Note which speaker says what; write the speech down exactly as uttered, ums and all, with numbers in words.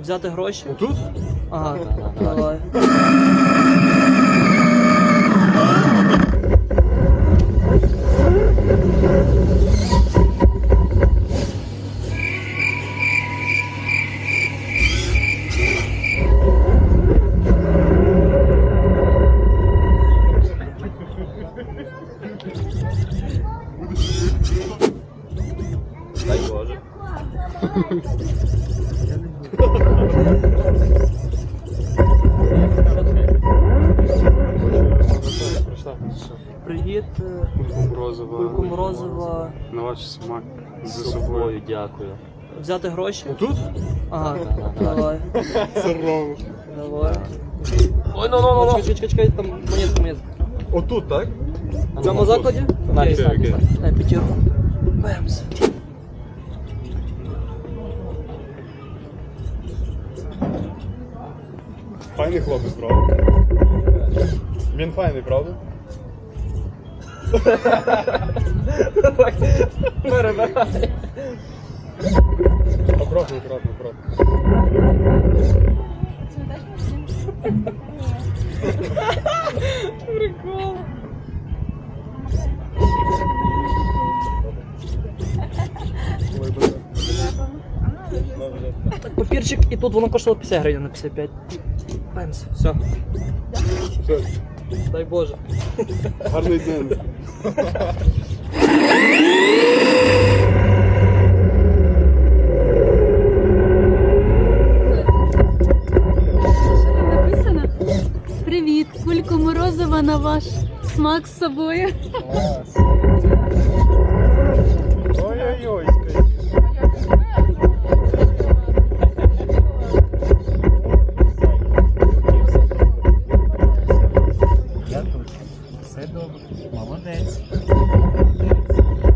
Speaker 1: Взяти гроші?
Speaker 2: Тут?
Speaker 1: Ага, давай.
Speaker 2: Дай Боже.
Speaker 1: Привіт,
Speaker 2: Кульку морозива.
Speaker 1: Кульку Морозова.
Speaker 2: На ваш смак.
Speaker 1: З
Speaker 2: За собою.
Speaker 1: дякую. Взяти гроші?
Speaker 2: Тут?
Speaker 1: Ага, давай.
Speaker 2: Здорово.
Speaker 1: Давай.
Speaker 2: Ой, ну, ну, ну,
Speaker 1: Чекай, чекай, чекай, там монетка, монетка.
Speaker 2: Отут, так?
Speaker 1: В цьому закладі?
Speaker 2: Окей, окей.
Speaker 1: На п'ятірку. Бемс.
Speaker 2: Файний хлопець, правда? Він файний, правда?
Speaker 1: Перебирай.
Speaker 2: Аккуратно, аккуратно, аккуратно.
Speaker 1: Прикол. Так, папірчик, і тут воно коштувало п'ятдесят гривень на п'ятдесят п'ять. Бемс. Все.
Speaker 2: Все,
Speaker 1: Дай Боже.
Speaker 2: гарний день.
Speaker 3: Що там написано? Привіт, Кульку Морозова на ваш смак з собою.
Speaker 2: Ой-ой-ой.
Speaker 4: Я тут. Все добре. Молодець.